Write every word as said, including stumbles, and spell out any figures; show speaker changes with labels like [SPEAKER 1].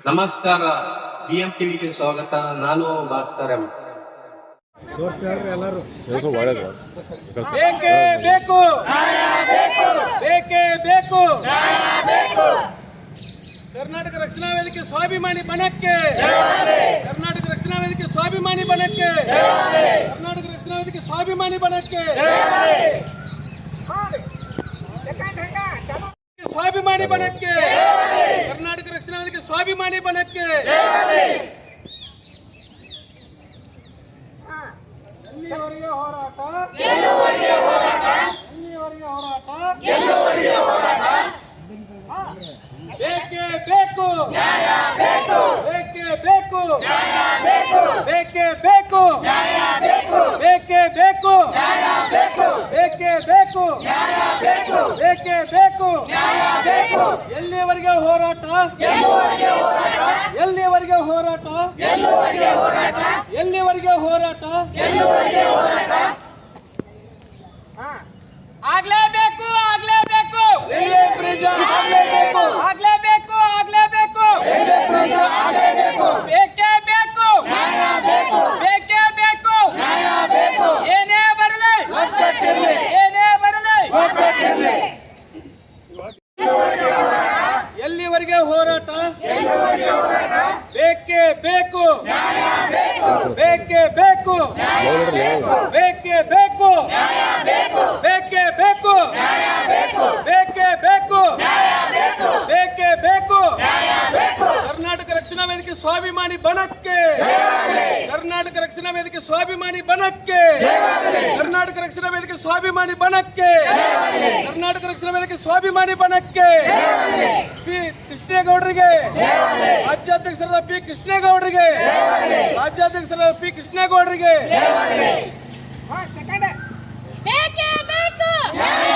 [SPEAKER 1] ನಮಸ್ಕಾರ, ಬಿಎಂ ಟಿವಿಗೆ ಸ್ವಾಗತ. ನಾನು ಭಾಸ್ಕರ್ ಎಂ.
[SPEAKER 2] ಬೇಕೇ ಬೇಕು, ಬೇಕೇ ಬೇಕು, ಕರ್ನಾಟಕ ರಕ್ಷಣಾ ವೇದಿಕೆ ಸ್ವಾಭಿಮಾನಿ ಬಣಕ್ಕೆ, ಕರ್ನಾಟಕ ರಕ್ಷಣಾ ವೇದಿಕೆ ಸ್ವಾಭಿಮಾನಿ ಬಣಕ್ಕೆ, ಕರ್ನಾಟಕ ರಕ್ಷಣಾ ವೇದಿಕೆ ಸ್ವಾಭಿಮಾನಿ ಬಣಕ್ಕೆ, ಸ್ವಾಭಿಮಾನಿ ಬಣಕ್ಕೆ, ಕರ್ನಾಟಕ ರಕ್ಷಣಾ ವೇದಿಕೆ ಸ್ವಾಭಿಮಾನಿ ಬಣಕ್ಕೆ. ಎಲ್ಲಿವರೆಗೆ ಹೋರಾಟ, ಎಲ್ಲಿವರೆಗೆ ಹೋರಾಟ, ಎಲ್ಲಿವರೆಗೆ ಹೋರಾಟ, ಎಲ್ಲಿವರೆಗೆ ಹೋರಾಟ. ಬೇಕೇ ಬೇಕು, ನ್ಯಾಯ ಬೇಕು, ಬೇಕೇ ಬೇಕು, ನ್ಯಾಯ ಬೇಕು, ಬೇಕೇ ಬೇಕು, ನ್ಯಾಯ ಬೇಕು, ಬೇಕೇ ಬೇಕು, ನ್ಯಾಯ ಬೇಕು, ಬೇಕೇ ಬೇಕು, ನ್ಯಾಯ ಬೇಕು, ಬೇಕೇ ಬೇಕು, ನ್ಯಾಯ ಬೇಕು. ಎಲ್ಲಿವರೆಗೆ ಹೋರಾಟ, ಎಲ್ಲಿವರೆಗೆ ಹೋರಾಟ, ಎಲ್ಲಿವರೆಗೆ ಹೋರಾಟ, ಎಲ್ಲಿವರೆಗೆ ಹೋರಾಟ, ಎಲ್ಲಿವರೆಗೆ ಹೋರಾಟ, ಎಲ್ಲಿವರೆಗೆ ಹೋರಾಟ.
[SPEAKER 3] ಆಗ್ಲೇಬೇಕು, ಆಗ್ಲೇಬೇಕು,
[SPEAKER 2] ರೈಲ್ವೆ ಬ್ರಿಡ್ಜ್ ಆಗಲೇಬೇಕು,
[SPEAKER 3] ಆಗ್ಲೇಬೇಕು, ಆಗ್ಲೇಬೇಕು,
[SPEAKER 2] ರೈಲ್ವೆ ಬ್ರಿಡ್ಜ್ ಆಗಲೇಬೇಕು,
[SPEAKER 3] ಬೇಕೇ ಬೇಕು,
[SPEAKER 2] ನ್ಯಾಯ ಬೇಕು,
[SPEAKER 3] ಬೇಕೇ ಬೇಕು,
[SPEAKER 2] ನ್ಯಾಯ ಬೇಕು.
[SPEAKER 3] ಏನೇ ಬರಲಿ,
[SPEAKER 2] ಒಗ್ಗಟ್ಟಿರ್ಲಿ,
[SPEAKER 3] ಏನೇ ಬರಲಿ,
[SPEAKER 2] ಒಗ್ಗಟ್ಟಿರ್ಲಿ. ಎಲ್ಲಿವರೆಗೆ ಹೋರಾಟ, ಎಲ್ಲಿವರೆಗೆ ಹೋರಾಟ, ಬೇಕೇ ಬೇಕು, ನ್ಯಾಯ ಬೇಕು, ಬೇಕೇ ಬೇಕು, ನ್ಯಾಯ ಬೇಕು, ಬೇಕೇ ಬೇಕು, ನ್ಯಾಯ ಬೇಕು, ಬೇಕೇ ಬೇಕು, ನ್ಯಾಯ ಬೇಕು, ಬೇಕೇ ಬೇಕು, ನ್ಯಾಯ ಬೇಕು, ಬೇಕೇ ಬೇಕು, ನ್ಯಾಯ ಬೇಕು. ಕರ್ನಾಟಕ ರಕ್ಷಣಾ ವೇದಿಕೆ ಸ್ವಾಭಿಮಾನಿ ಬಣಕ್ಕೆ, ಕರ್ನಾಟಕ ರಕ್ಷಣಾ ವೇದಿಕೆ ಸ್ವಾಭಿಮಾನಿ ಬಣಕ್ಕೆ, ಕರ್ನಾಟಕ ರಕ್ಷಣಾ ವೇದಿಕೆ ಸ್ವಾಭಿಮಾನಿ ಬಣಕ್ಕೆ, ಕರ್ನಾಟಕ ರಕ್ಷಣಾ ವೇದಿಕೆ ಸ್ವಾಭಿಮಾನಿ ಬಣಕ್ಕೆ. ಪಿ ಕೃಷ್ಣೇಗೌಡರಿಗೆ, ರಾಜ್ಯಾಧ್ಯಕ್ಷರಾದ ಪಿ ಕೃಷ್ಣೇಗೌಡರಿಗೆ, ರಾಜ್ಯಾಧ್ಯಕ್ಷರಾದ ಪಿ ಕೃಷ್ಣೇಗೌಡರಿಗೆ.
[SPEAKER 3] ಬೇಕೇ ಬೇಕು.